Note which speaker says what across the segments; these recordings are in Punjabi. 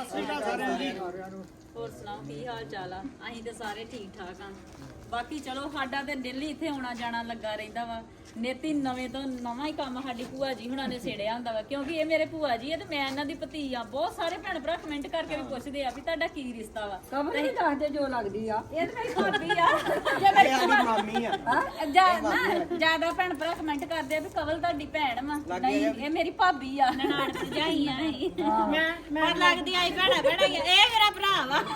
Speaker 1: ਹੋਰ ਸੁਣਾਓ ਕੀ ਹਾਲ ਚਾਲ ਆ? ਅਸੀਂ ਤੇ ਸਾਰੇ ਠੀਕ ਠਾਕ ਆ। ਬਾਕੀ ਚਲੋ ਸਾਡਾ ਤੇ ਦਿੱਲੀ ਇੱਥੇ ਆਉਣਾ ਜਾਣਾ ਲੱਗਾ ਰਹਿੰਦਾ ਵਾ। ਨੇਤੀ ਨਵੇਂ ਤੋਂ ਨਵਾਂ ਹੀ ਕੰਮ ਸਾਡੀ ਭੂਆ ਜੀ ਹੁਣਾਂ ਨੇ ਛੇੜਿਆ ਹੁੰਦਾ ਵਾ, ਕਿਉਂਕਿ ਇਹ ਮੇਰੇ ਭੂਆ ਜੀ ਆ ਤੇ ਮੈਂ ਇਹਨਾਂ ਦੀ ਭਤੀ ਆ। ਬਹੁਤ ਸਾਰੇ ਭੈਣ ਭਰਾ ਕਮੈਂਟ ਕਰਕੇ ਵੀ ਪੁੱਛਦੇ ਆ ਵੀ ਤੁਹਾਡਾ ਕੀ ਰਿਸ਼ਤਾ ਵਾ।
Speaker 2: ਕਮਲ ਹੀ ਦੱਸਦੇ ਜੋ ਲੱਗਦੀ ਆ।
Speaker 1: ਇਹ ਤਾਂ ਮੇਰੀ ਭਾਬੀ ਆ, ਜੇ ਮੇਰੀ ਮਾਮੀ ਆ। ਜਿਆਦਾ ਭੈਣ ਭਰਾ ਕਮੈਂਟ ਕਰਦੇ ਆ ਵੀ ਕਵਲ ਤੁਹਾਡੀ ਭੈਣ ਵਾ। ਨਹੀਂ, ਇਹ ਮੇਰੀ ਭਾਬੀ ਆ, ਨਨਾਣ ਭਰਜਾਈ ਆ। ਮੈਂ ਲੱਗਦੀ ਆਈ ਭੈਣਾ ਭੈਣਾ ਇਹ ਮੇਰਾ ਭਰਾ ਵਾ।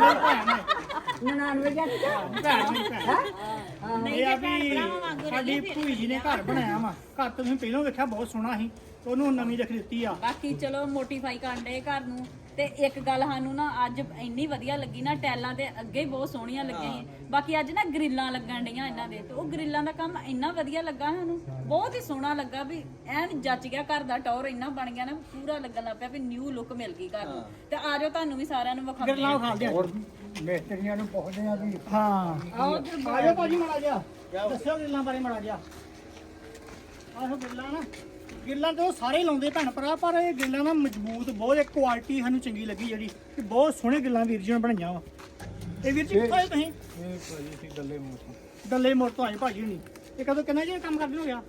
Speaker 2: 99 ਜਾਂ
Speaker 1: ਨਹੀਂ ਤੇ ਭੈਣ ਭਰਾਵਾਂ ਵਾਂਗੂ
Speaker 3: ਸਾਡੀ ਭੂਈ ਜੀ ਨੇ ਘਰ ਬਣਾਇਆ ਵਾ। ਘਰ ਤਾਂ ਤੁਸੀਂ ਪਹਿਲਾਂ ਵੇਖਿਆ ਬਹੁਤ ਸੋਹਣਾ ਸੀ, ਉਹਨੂੰ ਨਵੀਂ ਰੱਖ ਦਿੱਤੀ ਆ।
Speaker 1: ਬਾਕੀ ਚਲੋ ਮੋਟੀਫਾਈ ਕਰਨ ਦੇ ਘਰ ਨੂੰ। ਤੇ ਇੱਕ ਗੱਲ ਸਾਨੂੰ ਨਾ ਅੱਜ ਇੰਨੀ ਵਧੀਆ ਲੱਗੀ ਨਾ, ਟੈਲਾਂ ਤੇ ਅੱਗੇ ਹੀ ਬਹੁਤ ਸੋਹਣੀਆਂ ਲੱਗੀਆਂ ਸੀ। ਬਾਕੀ ਅੱਜ ਨਾ ਗ੍ਰਿਲਾਂ ਲੱਗਣ ਡੀਆਂ ਇਹਨਾਂ ਦੇ, ਤੇ ਉਹ ਗ੍ਰਿਲਾਂ ਦਾ ਕੰਮ ਇੰਨਾ ਵਧੀਆ ਲੱਗਾ ਸਾਨੂੰ, ਬਹੁਤ ਹੀ ਸੋਹਣਾ ਲੱਗਾ ਵੀ ਐਨ ਜੱਚ ਗਿਆ। ਘਰ ਦਾ ਟੌਰ ਇੰਨਾ ਬਣ ਗਿਆ ਨਾ, ਪੂਰਾ ਲੱਗਣ ਲੱਗ ਪਿਆ ਵੀ ਨਿਊ ਲੁੱਕ ਮਿਲ ਗਈ ਘਰ ਨੂੰ। ਤੇ ਆਜੋ ਤੁਹਾਨੂੰ ਵੀ ਸਾਰਿਆਂ ਨੂੰ ਵਿਖਾਉਂਦੇ
Speaker 3: ਗੱਲਾਂ ਖਾਲਦੇ ਆ।
Speaker 2: ਮਿਸਤਰੀਆਂ ਨੂੰ ਪੁੱਛਦੇ ਆ ਵੀ
Speaker 3: ਹਾਂ ਆਜੋ ਭਾਜੀ ਮਾੜਾ ਜਿਹਾ ਦੱਸਿਓ ਗਿੱਲਾਂ ਬਾਰੇ ਮਾੜਾ ਜਿਹਾ। ਆਹੋ ਗਿੱਲਾਂ ਨਾ, ਗਿੱਲਾਂ ਤੇ ਉਹ ਸਾਰੇ ਲਾਉਂਦੇ ਭੈਣ ਭਰਾ, ਪਰ ਇਹ ਗਿੱਲਾਂ ਨਾ ਮਜ਼ਬੂਤ ਬਹੁਤ, ਇੱਕ ਕੁਆਲਿਟੀ ਸਾਨੂੰ ਚੰਗੀ ਲੱਗੀ ਜਿਹੜੀ ਕਿ ਬਹੁਤ ਸੋਹਣੇ ਗਿੱਲਾਂ ਵੀਰ ਜੀ ਨੇ ਬਣਾਈਆਂ ਵਾ। ਇਹ ਵੀਰ ਜੀ ਕਿੱਥੋਂ ਆਏ ਤੁਸੀਂ?
Speaker 4: ਇਹ ਭਾਜੀ ਸੀ ਗੱਲੇ ਮੋੜ ਤੋਂ।
Speaker 3: ਡੱਲੇ ਮੋੜ ਤੋਂ ਆਏ ਭਾਜੀ ਹੁਣੀ। ਇਹ ਕਦੋਂ ਕਿੰਨਾ ਜੀ ਕੰਮ ਕਰਦੇ ਹੋ ਗਿਆ?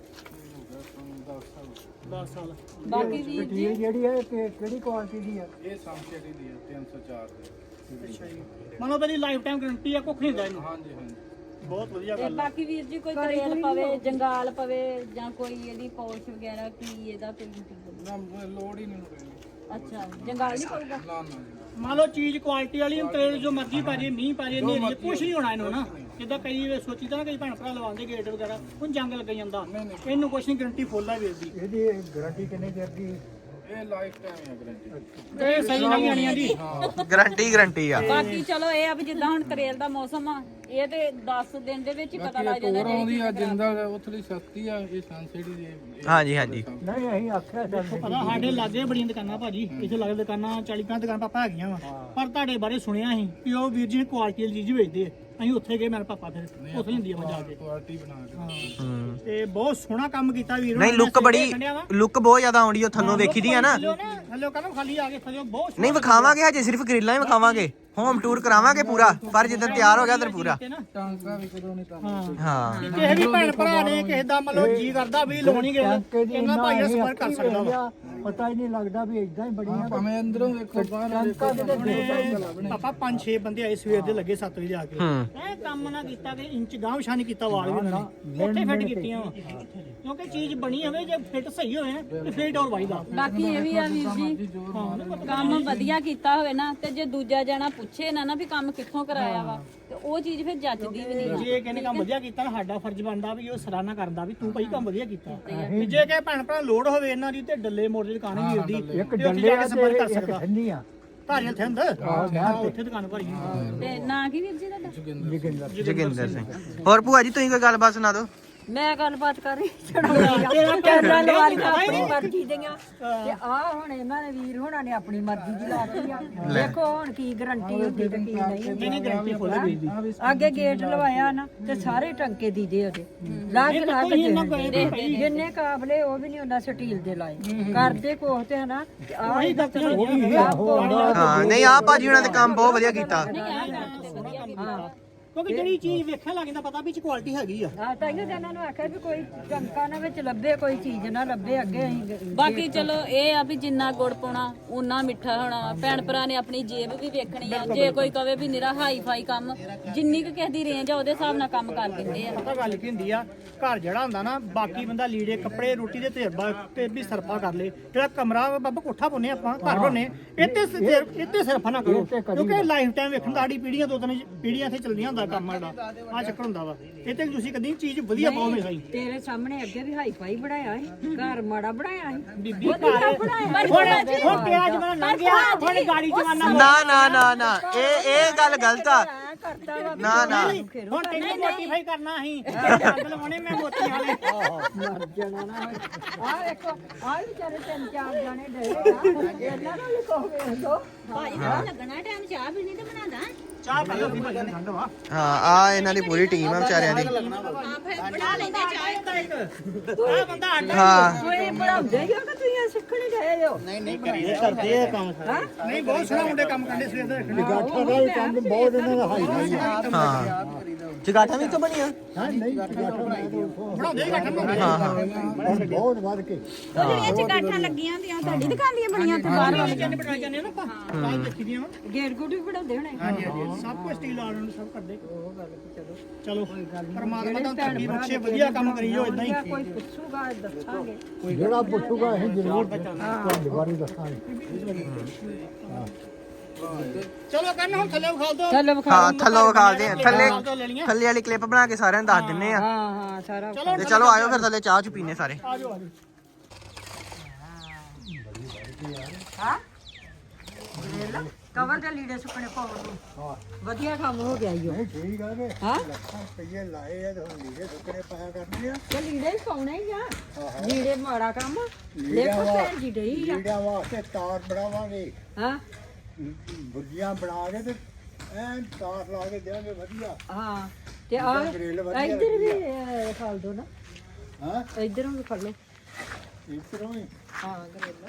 Speaker 3: 10 ਸਾਲ।
Speaker 1: ਬਾਕੀ ਵੀਰ ਜੀ
Speaker 2: ਜਿਹੜੀ ਹੈ ਕਿਹੜੀ ਕੁਆਲਿਟੀ ਦੀ ਆ?
Speaker 4: ਇਹ ਸਮਸ਼ੇਰੀ ਦੀ ਹੈ 304 ਦੀ।
Speaker 3: ਅੱਛਾ ਜੀ, ਮੰਨ ਲਓ ਲਾਈਫ ਟਾਈਮ ਗਾਰੰਟੀ ਆ, ਕੁੱਖ ਨਹੀਂ ਹੁੰਦਾ ਇਹਨੂੰ।
Speaker 4: ਹਾਂਜੀ ਹਾਂਜੀ।
Speaker 3: ਬਹੁਤ ਵਧੀਆ
Speaker 1: ਤੇ
Speaker 3: ਗੱਲ ਆ।
Speaker 1: ਬਾਕੀ ਵੀਰ ਜੀ ਕੋਈ ਕਰੇਲ ਪਵੇ, ਜੰਗਾਲ ਪਵੇ ਜਾਂ ਕੋਈ ਇਹਦੀ ਪੌਲਿਸ਼ ਵਗੈਰਾ ਕੀ ਇਹਦਾ ਕੋਈ
Speaker 4: ਨਾ ਲੋੜ ਹੀ ਨਹੀਂ ਪੈਣੀ।
Speaker 1: ਅੱਛਾ, ਜੰਗਾਲ ਨਹੀਂ ਪਊਗਾ?
Speaker 4: ਨਾ ਨਾ
Speaker 3: ਮੰਨ ਲਓ ਚੀਜ਼ ਕੁਆਲਿਟੀ ਵਾਲੀ, ਤੇਲ ਜੋ ਮਰਜ਼ੀ ਪਾ ਜੇ, ਮੀਂਹ ਪਾ ਜੇ, ਨੇਰੀ ਕੁਛ ਨਹੀਂ ਹੋਣਾ ਇਹਨੂੰ ਨਾ। ਜਿੱਦਾਂ ਕਈ ਸੋਚੀ ਤਾਂ ਨਾ ਕਈ ਭੈਣ ਭਰਾ ਲਵਾਉਂਦੇ ਗੇਟ ਵਗੈਰਾ, ਹੁਣ ਜੰਗ ਲੱਗ ਜਾਂਦਾ। ਇਹਨੂੰ ਕੁਛ ਨਹੀਂ, ਗਾਰੰਟੀ ਫੁੱਲ ਆ ਵੀਰ ਦੀ।
Speaker 2: ਇਹਦੀ ਗਾਰੰਟੀ ਕਿੰਨੇ ਚਿਰ ਦੀ?
Speaker 4: ਇਹ ਲਾਈਫ ਟਾਈਮ ਹੈ ਗਰੰਟੀ।
Speaker 3: ਇਹ ਸਹੀ ਨਹੀਂ ਆਣੀਆਂ ਜੀ।
Speaker 5: ਗਰੰਟੀ ਆ।
Speaker 1: ਬਾਕੀ ਚਲੋ ਇਹ ਆ ਵੀ ਜਿੱਦਾਂ ਹੁਣ ਕਰੇਲ ਦਾ ਮੌਸਮ ਆ, ਇਹ ਤੇ 10 ਦਿਨ ਦੇ ਵਿੱਚ ਹੀ ਪਤਾ ਲੱਗ ਜਾਂਦਾ।
Speaker 4: ਹੋਰ ਆਉਂਦੀ ਆ ਜਿੰਦਲ ਉਥਲੀ ਸਸਤੀ ਆ, ਇਹ ਸੰਸੇੜੀ ਦੀ।
Speaker 5: ਹਾਂਜੀ ਹਾਂਜੀ।
Speaker 2: ਨਹੀਂ ਅਸੀਂ ਆਖਿਆ
Speaker 3: ਪਤਾ ਸਾਡੇ ਲਾਗੇ ਬੜੀਆਂ ਦੁਕਾਨਾਂ ਭਾਜੀ, ਇੱਥੇ ਲਾਗੇ ਦੁਕਾਨਾਂ 40 ਦੁਕਾਨਾਂ ਪਾਪਾ ਹੈਗੀਆਂ ਵਾ, ਪਰ ਤੁਹਾਡੇ ਬਾਰੇ ਸੁਣਿਆ ਸੀ ਕਿ ਉਹ ਵੀਰ ਜੀ ਨੇ ਕੁਆਲਿਟੀ ਵਾਲੀ ਚੀਜ਼ ਵੇਚਦੇ ਆ। ਅਸੀਂ ਉੱਥੇ ਗਏ, ਮੇਰੇ ਪਾਪਾ ਫਿਰ ਉੱਥੇ ਹੁੰਦੀ ਆ ਜਾ ਕੇ
Speaker 4: ਕੁਆਲਿਟੀ ਬਣਾ ਕੇ।
Speaker 3: ਤੇ ਬਹੁਤ ਸੋਹਣਾ ਕੰਮ ਕੀਤਾ ਵੀਰ।
Speaker 5: ਨਹੀਂ ਲੁੱਕ ਬਹੁਤ ਜ਼ਿਆਦਾ ਆਉਂਦੀ ਉਹ ਥੱਲੋਂ ਵੇਖੀ ਦੀ ਆ ਨਾ।
Speaker 3: ਹਲੋ ਕਹਿੰਦਾ ਖਾਲੀ ਆ ਕੇ ਥੱਲੇ ਬਹੁਤ
Speaker 5: ਨਹੀਂ ਵਿਖਾਵਾਂਗੇ, ਹਜੇ ਸਿਰਫ ਗ੍ਰਿਲਾਂ ਹੀ ਵਿਖਾਵਾਂਗੇ, ਹੋਮ ਟੂਰ ਕਰਾਵਾਂਗੇ ਪੂਰਾ, ਪਰ ਜਦੋਂ ਤਿਆਰ ਹੋ ਗਿਆ ਉਦੋਂ ਪੂਰਾ।
Speaker 4: ਟਾਂਕਾ ਵੀ ਕਦੋਂ ਨਹੀਂ ਤਾਂ
Speaker 5: ਹਾਂ
Speaker 3: ਕਿਸੇ ਵੀ ਭੈਣ ਭਰਾ ਨੇ ਕਿਸੇ ਦਾ ਮਤਲਬ ਜੀ ਕਰਦਾ ਵੀ ਲਾਉਣੀ ਗਿਆ, ਇਹਨਾਂ ਭਾਈ ਨਾਲ ਸੰਪਰਕ ਕਰ ਸਕਦਾ ਵਾ।
Speaker 2: ਪਤਾ ਹੀ ਨਹੀਂ ਲੱਗਦਾ ਵੀ ਇਦਾਂ ਹੀ ਬੜੀਆਂ।
Speaker 4: ਭਾਵੇਂ ਅੰਦਰੋਂ ਵੇਖੋ ਬਾਹਰ
Speaker 3: ਪਾਪਾ 5-6 ਬੰਦੇ ਆਏ ਸਵੇਰ ਦੇ ਲੱਗੇ 7 ਵਜੇ ਆ ਕੇ।
Speaker 5: ਹੂੰ।
Speaker 3: ਇਹ ਕੰਮ ਨਾ ਕੀਤਾ ਕਿ ਇੰਚ ਗਾਂਵ ਸ਼ਾਨ ਕੀਤਾ, ਵਾਲ ਵੀ ਉਹਨਾਂ ਨੇ ਉੱਥੇ ਫਿੱਟ ਕੀਤੀਆਂ ਵਾ। ਕਿਉਂਕਿ ਚੀਜ਼ ਬਣੀ ਹੋਵੇ, ਜੇ ਫਿੱਟ ਸਹੀ ਹੋਵੇ ਨਾ ਤੇ ਫਿੱਟ ਹੋਰ ਵਾਈਦਾ।
Speaker 1: ਬਾਕੀ ਇਹ ਵੀ ਆ ਵੀਰ ਜੀ, ਕੰਮ ਵਧੀਆ ਕੀਤਾ ਹੋਵੇ ਨਾ, ਤੇ ਜੇ ਦੂਜਾ ਜਣਾ ਪੁੱਛੇ ਨਾ ਵੀ ਕੰਮ ਕਿੱਥੋਂ ਕਰਾਇਆ ਵਾ, ਤੇ ਉਹ ਚੀਜ਼ ਫਿਰ ਜੱਜਦੀ ਵੀ ਨਹੀਂ।
Speaker 3: ਜੇ ਕਹਿੰਦੇ ਕੰਮ ਵਧੀਆ ਕੀਤਾ ਨਾ, ਸਾਡਾ ਫਰਜ਼ ਬਣਦਾ ਵੀ ਉਹ ਸਰਾਹਨਾ ਕਰਦਾ ਵੀ ਤੂੰ ਭਾਈ ਕੰਮ ਵਧੀਆ ਕੀਤਾ। ਤੇ ਜੇ ਕਿ ਭੈਣ ਭਰਾ ਲੋੜ ਹੋਵੇ ਇਹਨਾਂ ਦੀ, ਤੇ ਡੱਲੇ ਮੋੜ ਦੀ ਦੁਕਾਨ ਵੀਰ ਦੀ,
Speaker 2: ਇੱਕ
Speaker 3: ਤੇ ਉੱਥੇ ਜਾ
Speaker 2: ਡੱਲੇ
Speaker 3: ਕੇ ਸੰਪਰਕ ਕਰ
Speaker 2: ਤੇ ਇੱਕ
Speaker 3: ਸਕਦਾ।
Speaker 2: ਠੰਡੀ ਆ।
Speaker 3: ਧਾਰੀਆਂ ਥੰਦ ਉੱਥੇ ਦੁਕਾਨ ਭਰੀ।
Speaker 1: ਤੇ ਨਾਂ ਕੀ ਵੀਰ ਜੀ ਤੁਹਾਡਾ?
Speaker 5: ਜੋਗਿੰਦਰ ਸਿੰਘ। ਹੋਰ ਭੂਆ ਜੀ ਤੁਸੀਂ ਕੋਈ ਗੱਲਬਾਤ ਸੁਣਾ ਦਿਓ।
Speaker 2: ਮੈਂ ਗੱਲਬਾਤ ਕਰ ਰਹੀ ਚੜਾਉਣੀ ਕੈਮਰਾ ਲਵਾ ਕੇ ਆਪਣੀ ਮਰਜ਼ੀ ਦੀਆਂ। ਤੇ ਆ ਹੁਣ ਇਹਨਾਂ ਨੇ ਵੀਰ ਹੋਣਾ ਨੇ ਆਪਣੀ ਮਰਜ਼ੀ ਦੀ ਲਾਤੀ ਆ। ਦੇਖੋ ਹੁਣ ਕੀ ਗਰੰਟੀ ਹੁੰਦੀ ਤੇ ਕੀ ਨਹੀਂ।
Speaker 3: ਗਰੰਟੀ ਫੁੱਲ ਗਈ ਦੀ।
Speaker 2: ਅੱਗੇ ਗੇਟ ਲਵਾਇਆ ਨਾ ਤੇ ਸਾਰੇ ਟੰਕੇ ਦੀਦੇ ਉਹਦੇ ਲਾ ਕੇ ਜਿੰਨੇ ਕਾਬਲੇ ਉਹ ਵੀ ਨਹੀਂ ਉਹਨਾਂ ਸਟੀਲ ਦੇ ਲਾਏ ਕਰਦੇ ਕੋਹ ਤੇ ਹਨਾ। ਆਹੀ
Speaker 5: ਹਾਂ ਨਹੀਂ ਆ ਭਾਜੀ ਉਹਨਾਂ ਦੇ ਕੰਮ ਬਹੁਤ ਵਧੀਆ ਕੀਤਾ।
Speaker 3: ਕਿਉਂਕਿ ਜਿਹੜੀ ਚੀਜ਼ ਵੇਖਣ ਲੱਗ ਜਾਂਦਾ ਪਤਾ ਵੀ ਚ ਕੁਆਲਿਟੀ ਹੈਗੀ ਆ।
Speaker 2: ਆ ਤਾਂ ਇਹਨਾਂ ਨੂੰ ਆਖਿਆ ਵੀ ਕੋਈ ਚਮਕਾ ਨਾ ਵਿੱਚ ਲੱਭੇ, ਕੋਈ ਚੀਜ਼ ਨਾ ਲੱਭੇ ਅੱਗੇ ਅਸੀਂ।
Speaker 1: ਬਾਕੀ ਚਲੋ ਇਹ ਆ ਵੀ ਜਿੰਨਾ ਗੁੜ ਪਾਉਣਾ ਉਨਾ ਮਿੱਠਾ ਹੋਣਾ। ਭੈਣ ਭਰਾ ਨੇ ਆਪਣੀ ਜੇਬ ਵੀ ਵੇਖਣੀ ਆ। ਜੇ ਕੋਈ ਕਵੇ ਵੀ ਨਿਰਾ ਹਾਈ ਫਾਈ ਕੰਮ, ਜਿੰਨੀ ਕੁ ਕਿਸੇ ਦੀ ਰੇਂਜ ਆ ਉਹਦੇ ਹਿਸਾਬ ਨਾਲ ਕੰਮ ਕਰ ਦਿੰਦੇ ਆ।
Speaker 3: ਪਤਾ ਗੱਲ ਕੀ ਹੁੰਦੀ ਆ, ਘਰ ਜਿਹੜਾ ਹੁੰਦਾ ਨਾ, ਬਾਕੀ ਬੰਦਾ ਲੀੜੇ ਕੱਪੜੇ ਰੋਟੀ ਦੇ ਤਜਰਬਾ ਤੇ ਵੀ ਸਰਫਾ ਕਰ ਲੇ। ਜਿਹੜਾ ਕਮਰਾ ਬਾਬਾ ਕੋਠਾ ਪਾਉਨੇ ਆਪਾਂ, ਘਰ ਬਣਨੇ, ਇੱਥੇ ਸਰਫਾ ਨਾ ਕਰੋ। ਕਿਉਂਕਿ ਲਾਈਫ ਟਾਈਮ ਵੇਖਣ ਸਾਡੀ ਪੀੜ੍ਹੀਆਂ 2-3 ਪੀੜ੍ਹੀਆਂ ਇੱਥੇ ਚੱਲਦੀਆਂ ਹੁੰਦਾ ਕੰਮ ਸਾਡਾ। ਆ ਚੱਕਰ ਹੁੰਦਾ ਵਾ। ਇੱਥੇ ਤੁਸੀਂ ਕਦੀ ਚੀਜ਼ ਵਧੀਆ ਪਾਓ ਹਮੇਸ਼ਾ ਹੀ।
Speaker 2: ਤੇਰੇ ਸਾਹਮਣੇ ਅੱਗੇ ਵੀ ਹਾਈ ਫਾਈ ਬਣਾਇਆ ਸੀ, ਘਰ ਮਾੜਾ ਬਣਾਇਆ ਸੀ।
Speaker 3: ਬੀਬੀ ਘਰ ਹੁਣ ਪਿਆਜ ਬਣਾ ਲੰਘ ਗਿਆ, ਹੁਣ ਗਾੜੀ ਜਵਾਨਾ।
Speaker 5: ਨਾ ਨਾ ਨਾ ਨਾ ਇਹ ਗੱਲ ਗਲਤ ਆ।
Speaker 2: ਕਰਤਾ ਵਾ
Speaker 5: ਨਾ ਨਾ
Speaker 3: ਹੁਣ ਤੈਨੂੰ ਮੋਟੀਫਾਈ ਕਰਨਾ ਅਸੀਂ ਦੰਦ ਲਵਾਉਣੇ ਮੈਂ ਮੋਤੀ ਵਾਲੇ
Speaker 2: ਮਰ ਜਾਣਾ ਨਾ ਆ ਵੇਖੋ ਆ ਵਿਚਾਰੇ 3-4 ਜਾਣੇ ਡਰੇ ਆ ਇਹਨਾਂ ਨੂੰ ਵੀ ਕਹੋ ਵੇਖ ਲੋ
Speaker 1: ਭਾਜੀ ਦਾ ਲੱਗਣਾ ਟਾਈਮ ਚਾਹ ਪੀਣੀ ਤੇ ਬਣਾਦਾ
Speaker 3: ਚਾਹ ਕਰ ਲਓ ਵੀ ਮਜਾ ਠੰਡ ਵਾ
Speaker 5: ਹਾਂ ਆ ਇਹਨਾਂ ਦੀ ਪੂਰੀ ਟੀਮ ਆ ਵਿਚਾਰਿਆਂ ਦੀ
Speaker 1: ਹਾਂ ਫਿਰ ਬਣਾ ਲੈਂਦੇ ਚਾਹ
Speaker 3: ਆ ਬੰਦਾ ਆਡਾ
Speaker 5: ਹਾਂ
Speaker 2: ਤੁਸੀਂ ਬਣਾਉਂਦੇ ਹੀ ਹੋ ਕਿ ਤੁਸੀਂ ਸਿੱਖਣ ਗਏ ਹੋ
Speaker 3: ਨਹੀਂ ਕਰਦੇ ਆ ਕੰਮ ਨਹੀਂ ਬਹੁਤ ਸੋਹਣਾ ਮੁੰਡੇ ਕੰਮ ਕਰਦੇ ਸਵੇਰ ਦਾ
Speaker 6: ਜਗਾਠਾਂ ਦਾ ਵੀ ਕੰਮ ਬਹੁਤ ਇਹਨਾਂ ਦਾ ਹਾਈ ਹਾਈ ਆ
Speaker 5: ਹਾਂ ਜਗਾਠਾਂ ਵੀ ਤਾਂ ਬਣੀਆਂ
Speaker 6: ਹਾਂ ਨਹੀਂ ਜਗਾਠਾਂ
Speaker 3: ਬਣਾਉਂਦੇ ਹੀ ਘੱਟ ਬਣਾਉਂਦੇ
Speaker 5: ਹਾਂ ਹਾਂ
Speaker 6: ਹੁਣ ਬਹੁਤ ਵੱਧ ਕੇ
Speaker 1: ਜਿਹੜੀਆਂ ਚਗਾਠਾਂ ਲੱਗੀਆਂ ਹੁੰਦੀਆਂ ਤੁਹਾਡੀ ਦੁਕਾਨ ਦੀਆਂ ਬਣੀਆਂ ਤੇ ਬਾਹਰ ਵਾਲੇ
Speaker 3: ਚੰਨ ਬਣਾ ਜਾਂਦੇ ਆ ਨਾ ਆਪਾਂ ਤਾਂ ਦੇਖੀ ਦੀਆਂ
Speaker 2: ਗੇਟ ਗੁੱਟ ਵੀ ਬਣਾਉਂਦੇ ਹੋਣੇ
Speaker 3: ਹਾਂਜੀ ਹਾਂਜੀ ਸਭ ਕੁਝ ਸਟੀਲ ਵਾਲਿਆਂ ਨੂੰ ਸਭ ਕਰਦੇ ਚਲੋ ਪਰਮਾਤਮਾ ਦਾ ਤੁਹਾਡੀ ਬਖਸ਼ੇ ਵਧੀਆ ਕੰਮ ਕਰੀ ਜੋ ਇਦਾਂ ਹੀ
Speaker 2: ਕੋਈ ਪੁੱਛੂਗਾ ਦੱਸਾਂਗੇ
Speaker 6: ਜਿਹੜਾ ਪੁੱਛੂਗਾ ਅਸੀਂ ਜ਼ਰੂਰ ਤੁਹਾਡੇ ਬਾਰੇ ਦੱਸਾਂਗੇ
Speaker 3: ਚਲੋ ਕਰਨ ਹੁਣ ਥੱਲੇ ਵਿਖਾ ਦਿਓ
Speaker 2: ਚਲੋ
Speaker 5: ਹਾਂ ਥੱਲੋਂ ਵਿਖਾਲਦੇ ਆ ਥੱਲੇ
Speaker 3: ਲੈ ਲਈਆਂ
Speaker 5: ਥੱਲੇ ਵਾਲੀ ਕਲਿੱਪ ਬਣਾ ਕੇ ਸਾਰਿਆਂ ਨੂੰ ਦੱਸ ਦਿੰਨੇ ਆ
Speaker 2: ਹਾਂ ਹਾਂ ਸਾਰਾ
Speaker 5: ਤੇ ਚਲੋ ਆਇਓ ਫਿਰ ਥੱਲੇ ਚਾਹ ਚ ਪੀਨੇ ਸਾਰੇ
Speaker 3: ਆ ਜਾਓ
Speaker 2: ਹਾਂ ਕਵਰ ਦੇ ਲੀੜੇ ਸੁੱਕਣੇ ਪਾਉਣ ਨੂੰ ਵਧੀਆ ਕੰਮ ਹੋ ਗਿਆ ਈਓ
Speaker 6: ਨਹੀਂ ਠੀਕ ਆ ਨੇ
Speaker 2: ਹਾਂ
Speaker 6: ਲੱਖਾਂ ਰੁਪਏ ਲਾਏ ਆ ਤੇ ਹੁਣ ਲੀੜੇ ਸੁੱਕਣੇ ਪਾਇਆ ਕਰਨੇ ਆ
Speaker 2: ਤੇ ਲੀੜੇ ਹੀ ਪਾਉਣੇ ਹੀ ਆ ਲੀੜੇ ਮਾੜਾ ਕੰਮ ਦੇਖੋ ਭੈਣ ਜੀ ਡਈ ਆ
Speaker 6: ਲੀੜਿਆਂ ਵਾਸਤੇ ਤਾਰ ਬਣਾਵਾਂਗੇ
Speaker 2: ਹਾਂ
Speaker 6: ਬੁਰਜੀਆਂ ਬਣਾ ਕੇ ਤੇ ਐਨ ਤਾਰ ਲਾ ਕੇ ਦੇਵਾਂਗੇ ਵਧੀਆ
Speaker 2: ਹਾਂ ਤੇ ਆ
Speaker 6: ਗ੍ਰਿਲ ਵਧੀਆ
Speaker 2: ਇੱਧਰ ਵੀ ਖਾਲ ਦੋ ਨਾ
Speaker 6: ਹਾਂ
Speaker 2: ਇੱਧਰੋਂ ਵੀ ਖਾ ਲਓ
Speaker 6: ਇਸ ਤਰ੍ਹਾਂ ਹੀ
Speaker 2: ਹਾਂ ਗਰੇਲਾ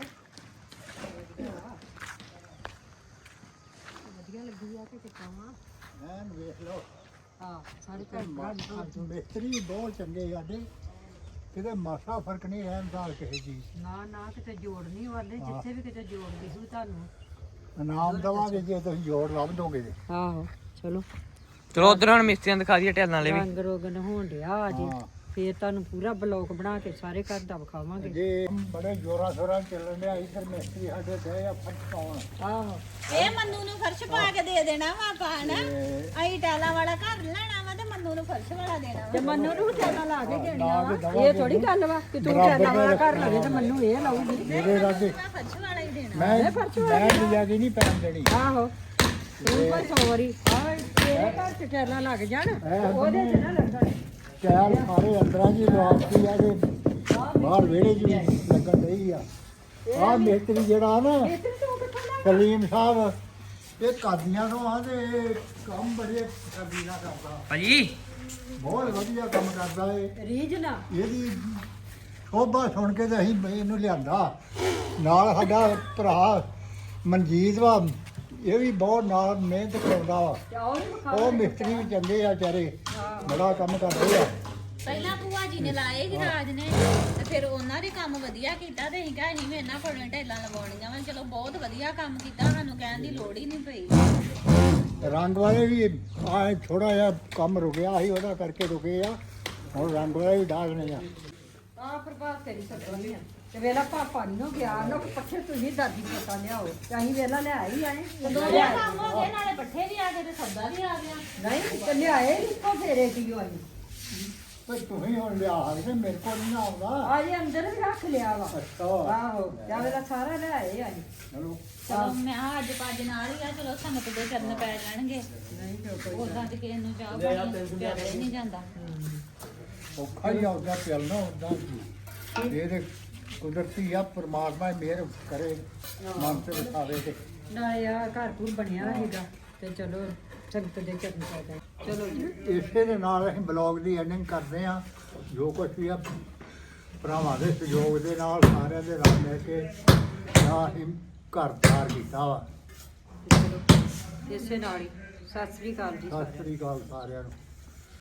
Speaker 2: ਵਧੀਆ ਲੱਗੀ ਆ ਕਿ ਕਿਤਾਵਾਂ
Speaker 6: ਐਨ ਵੇਖ ਲਓ
Speaker 2: ਹਾਂ ਸਾਰੇ ਘਰ ਬਣਾ
Speaker 6: ਮਿਸਤਰੀ ਬਹੁਤ ਚੰਗੇ ਸਾਡੇ ਕਿਤੇ ਮਾਸਾ ਫਰਕ ਨਹੀਂ ਰਹਿਣ ਦਾ ਕਿਸੇ ਚੀਜ਼
Speaker 2: ਨਾ ਨਾ ਕਿਤੇ ਜੋੜ ਨਹੀਂ ਵਾਲੇ ਜਿੱਥੇ ਵੀ ਕਿਤੇ ਜੋੜ ਦਿਖੂ ਤੁਹਾਨੂੰ
Speaker 6: ਇਨਾਮ ਦਵਾਂਗੇ ਜੇ ਤੁਸੀਂ ਜੋੜ ਲੱਭ ਦੋਗੇ ਤੇ
Speaker 2: ਆਹੋ ਚਲੋ
Speaker 5: ਚਲੋ ਉਧਰ ਹੁਣ ਮਿਸਤਰੀਆਂ ਦਿਖਾ ਦਈਏ ਟੈਲਾਂ ਵਾਲੇ ਵੀ
Speaker 2: ਰੰਗ ਰੋਗਨ ਹੋਣ ਡਿਆ ਅਜੇ
Speaker 6: ਹਾਂ।
Speaker 2: ਫੇਰ ਤੁਹਾਨੂੰ ਪੂਰਾ ਬਲੌਕ ਬਣਾ ਕੇ ਸਾਰੇ ਘਰ ਦਾ ਵਿਖਾਵਾਂਗੇ
Speaker 6: ਜੇ ਬੜੇ ਜੋਰਾਂ ਸ਼ੋਰਾਂ ਚੱਲਣ ਡਿਆ ਇੱਧਰ ਮਿਸਤਰੀ ਸਾਡੇ ਦੇ ਆ ਫਟ ਪਾਉਣ
Speaker 2: ਆਹੋ
Speaker 1: ਇਹ ਮੰਨੂ ਨੂੰ ਫਰਸ਼ ਪਾ ਕੇ ਦੇ ਦੇਣਾ ਵਾ ਆਪਾਂ ਹਨਾ ਅਸੀਂ ਟੈਲਾਂ ਵਾਲਾ ਘਰ ਲੈਣਾ ਵਾ ਤੇ ਮੰਨੂ ਨੂੰ ਫਰਸ਼ ਵਾਲਾ ਦੇਣਾ
Speaker 2: ਤੇ ਮੰਨੂ ਨੂੰ ਟੈਲਾਂ ਲਾ ਕੇ ਦੇਣੀਆਂ
Speaker 6: ਲਾ ਕੇ
Speaker 2: ਵਾ
Speaker 6: ਦੇਵਾਂਗੇ।
Speaker 2: ਇਹ ਥੋੜੀ ਗੱਲ ਵਾ ਕਿ ਤੂੰ ਟੈਲਾਂ ਵਾਲਾ ਘਰ ਲਵੇ ਤੇ ਮੰਨੂ ਇਹ ਲਾਊਗੀ
Speaker 6: ਮੇਰੇ ਰਾਜੇ
Speaker 1: ਵਾ ਫਰਸ਼ ਵਾਲਾ ਹੀ ਦੇਣਾ
Speaker 6: ਮੈਂ ਲਿਆ ਕੇ ਨਹੀਂ ਪੈਣ ਦੇਣੀ
Speaker 2: ਆਹੋ ਤੂੰ ਕੋਈ ਸੌਰੀ ਆ ਤੇਰੇ ਘਰ ਚ ਟੈਲਾਂ ਲੱਗ ਜਾਣ ਤੇ ਉਹਦੇ ਚ ਨਾ ਲੱਗਣ
Speaker 6: ਚੈਲ ਸਾਰੇ ਅੰਦਰਾਂ ਜੀ ਲਵਾਤੀ ਆ ਤੇ ਬਾਹਰ ਵਿਹੜੇ ਜੀ ਲੱਗਣ ਰਹੀ ਆ ਆਹ ਮਿਸਤਰੀ ਜਿਹੜਾ ਨਾ
Speaker 2: ਇੱਧਰ ਤੂੰ ਕਿੱਥੋਂ ਲੈ
Speaker 6: ਸਲੀਮ ਸਾਹਿਬ ਇਹ ਕਾਦੀਆਂ ਤੋਂ ਆ ਤੇ ਇਹ ਕੰਮ ਬੜੇ ਕਬੀਲਾ ਕਰਦਾ
Speaker 5: ਭਾਜੀ
Speaker 6: ਬਹੁਤ ਵਧੀਆ ਕੰਮ ਕਰਦਾ ਏ
Speaker 2: ਰੀਝ ਨਾ
Speaker 6: ਇਹਦੀ ਸ਼ੋਭਾ ਸੁਣ ਕੇ ਤੇ ਅਸੀਂ ਇਹਨੂੰ ਲਿਆਂਦਾ ਨਾਲ ਸਾਡਾ ਭਰਾ ਮਨਜੀਤ ਵਾ ਇਹ ਵੀ ਬਹੁਤ ਨਾਲ ਮਿਹਨਤ ਕਰਦਾ ਵਾ
Speaker 2: ਤੇ ਉਹ ਵੀ ਵਿਖਾ
Speaker 6: ਉਹ ਮਿਸਤਰੀ ਵੀ ਚੰਗੇ ਆ ਵਿਚਾਰੇ ਬੜਾ ਕੰਮ ਕਰਦੇ ਆ
Speaker 1: ਪਹਿਲਾਂ ਭੂਆ ਜੀ ਨੇ ਲਾਏ ਸੀ ਰਾਜ ਨੇ ਤੇ ਫਿਰ ਉਹਨਾਂ ਨੇ ਕੰਮ ਵਧੀਆ ਕੀਤਾ ਤੇ ਅਸੀਂ ਕਿਹਾ ਅਸੀਂ ਵੀ ਇਹਨਾਂ ਕੋਲੋਂ ਢੇਲਾਂ ਲਵਾਉਣੀਆਂ ਵਾ ਚਲੋ ਬਹੁਤ ਵਧੀਆ ਕੰਮ ਕੀਤਾ ਸਾਨੂੰ ਕਹਿਣ ਦੀ ਲੋੜ ਹੀ ਨਹੀਂ ਪਈ
Speaker 6: ਰੰਗ ਵਾਲੇ ਵੀ ਆ ਥੋੜਾ ਜਿਹਾ ਕੰਮ ਰੁਕਿਆ ਸੀ ਉਹਦਾ ਕਰਕੇ ਰੁਕੇ ਆ ਹੁਣ ਰੰਗ ਵਾਲੇ ਵੀ ਡਾਗਣੇ ਆ
Speaker 2: ਆ ਪ੍ਰਭਾਤ ਤੇਰੀ ਸਕਦੀ ਆ ਤੇ ਵੇਲਾ ਪਾਪਾ ਨਹੀਂ ਹੋ ਗਿਆ ਨਾ ਪੱਠੇ ਤੁਸੀਂ ਦਾਦੀ ਪਤਾ ਲਿਆਓ ਤੇ ਅਸੀਂ ਵੇਲਾ ਲੈ ਆਈ ਆਏ
Speaker 1: ਦੋਵੇਂ ਕੰਮ ਹੋ ਗਏ ਨਾਲੇ ਪੱਠੇ ਵੀ ਆ ਗਏ ਤੇ ਸੌਦਾ ਵੀ ਆ ਗਿਆ
Speaker 2: ਨਹੀਂ ਤੇ ਲਿਆਏ ਇੱਕੋ ਫੇਰੇ ਕੀ ਹੋਈ
Speaker 6: ਪਰ ਤੁਸੀਂ ਹੁਣ ਲਿਆ ਸਕਦੇ ਮੇਰੇ ਕੋਲ ਨਹੀਂ ਨਾ ਆਉਂਦਾ
Speaker 2: ਆ ਜੇ ਅੰਦਰ ਵੀ ਰੱਖ ਲਿਆ ਵਾ
Speaker 6: ਅੱਛਾ
Speaker 2: ਆਹੋ ਜਾਂ ਵੇਲਾ ਸਾਰਾ ਲੈ ਆਏ ਆਏ
Speaker 6: ਚਲੋ
Speaker 1: ਚਲੋ ਮੈਂ ਕਿਹਾ ਅੱਜ ਪੱਜ ਨਾਲ ਹੀ ਆ ਚਲੋ ਸੰਗਤ ਦੇ ਚਰਨ ਪੈ ਜਾਣਗੇ
Speaker 2: ਨਹੀਂ ਤੇ
Speaker 1: ਉਦਾਂ ਤੇ ਕਿਸੇ ਨੂੰ ਚਾਹ ਪਾਣੀ ਪਿਆਇਆ ਹੀ ਨਹੀਂ ਜਾਂਦਾ
Speaker 6: ਔਖਾ ਹੀ ਆਉਂਦਾ ਚੱਲਣਾ ਹੁੰਦਾ ਇਹ ਤੇ ਕੁਦਰਤੀ ਆ ਪਰਮਾਤਮਾ ਮਿਹਰ ਕਰੇ ਮਨ ਤੇ ਵਿਖਾਵੇ ਤੇ
Speaker 2: ਨਾ ਯਾਰ ਘਰ ਘੁਰ ਬਣਿਆ ਹੈਗਾ ਤੇ ਚਲੋ ਸੰਗਤ ਦੇ ਚਰਨ ਪੈ ਜਾਏ ਚਲੋ ਜੀ
Speaker 6: ਇਸੇ ਦੇ ਨਾਲ ਅਸੀਂ ਬਲੌਗ ਦੀ ਐਂਡਿੰਗ ਕਰਦੇ ਆ ਜੋ ਕੁਝ ਵੀ ਆ ਭਰਾਵਾਂ ਦੇ ਸਹਿਯੋਗ ਦੇ ਨਾਲ ਸਾਰਿਆਂ ਦੇ ਨਾਲ ਮਿਲ ਕੇ ਆ ਅਸੀਂ ਘਰ ਤਿਆਰ ਕੀਤਾ ਵਾ
Speaker 2: ਇਸੇ ਨਾਲ ਹੀ ਸਤਿ ਸ੍ਰੀ ਅਕਾਲ ਜੀ
Speaker 6: ਸਤਿ ਸ੍ਰੀ ਅਕਾਲ ਸਾਰਿਆਂ ਨੂੰ